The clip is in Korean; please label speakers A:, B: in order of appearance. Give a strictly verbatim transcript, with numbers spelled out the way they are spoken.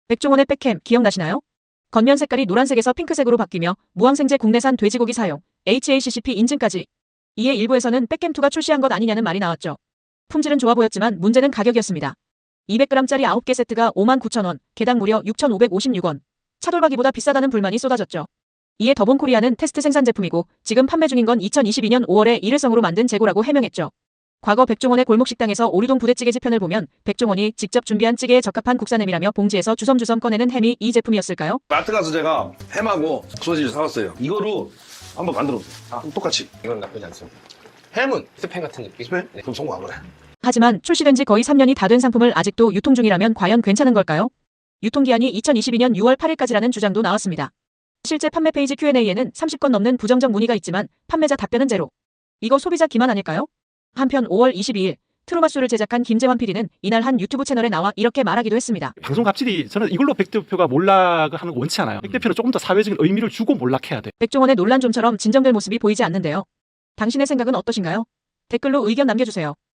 A: 백종원의 백햄 기억나시나요? 겉면 색깔이 노란색에서 핑크색으로 바뀌며 무항생제 국내산 돼지고기 사용, 에이치에이씨씨피 인증까지. 이에 일부에서는 백햄이가 출시한 것 아니냐는 말이 나왔죠. 품질은 좋아 보였지만 문제는 가격이었습니다. 이백 그램짜리 아홉 개 세트가 오만 구천 원, 개당 무려 육천오백오십육 원. 차돌박이보다 비싸다는 불만이 쏟아졌죠. 이에 더본코리아는 테스트 생산 제품이고 지금 판매 중인 건 이천이십이 년 오월에 일회성으로 만든 재고라고 해명했죠. 과거 백종원의 골목식당에서 오류동 부대찌개 지편을 보면 백종원이 직접 준비한 찌개에 적합한 국산 햄이라며 봉지에서 주섬주섬 꺼내는 햄이 이 제품이었을까요?
B: 마트 가서 제가 햄하고 소시지 사왔어요. 이거로 한번 만들어보세요. 아, 똑같이.
C: 이건 나쁘지 않습니다.
B: 햄은
C: 스팸 같은 느낌?
B: 스팸? 네. 그럼 성공 안 그래.
A: 하지만 출시된 지 거의 삼 년이 다 된 상품을 아직도 유통 중이라면 과연 괜찮은 걸까요? 유통기한이 이천이십이 년 유월 팔일까지라는 주장도 나왔습니다. 실제 판매 페이지 큐 앤 에이에는 삼십 건 넘는 부정적 문의가 있지만 판매자 답변은 제로. 이거 소비자 기만 아닐까요? 한편 오월 이십이일 트루마수를 제작한 김재환 피디는 이날 한 유튜브 채널에 나와 이렇게 말하기도 했습니다.
D: 방송 갑질이 저는 이걸로 백 대표가 몰락을 하는 거 원치 않아요. 백 대표는 조금 더 사회적인 의미를 주고 몰락해야 돼.
A: 백종원의 논란 좀처럼 진정될 모습이 보이지 않는데요. 당신의 생각은 어떠신가요? 댓글로 의견 남겨주세요.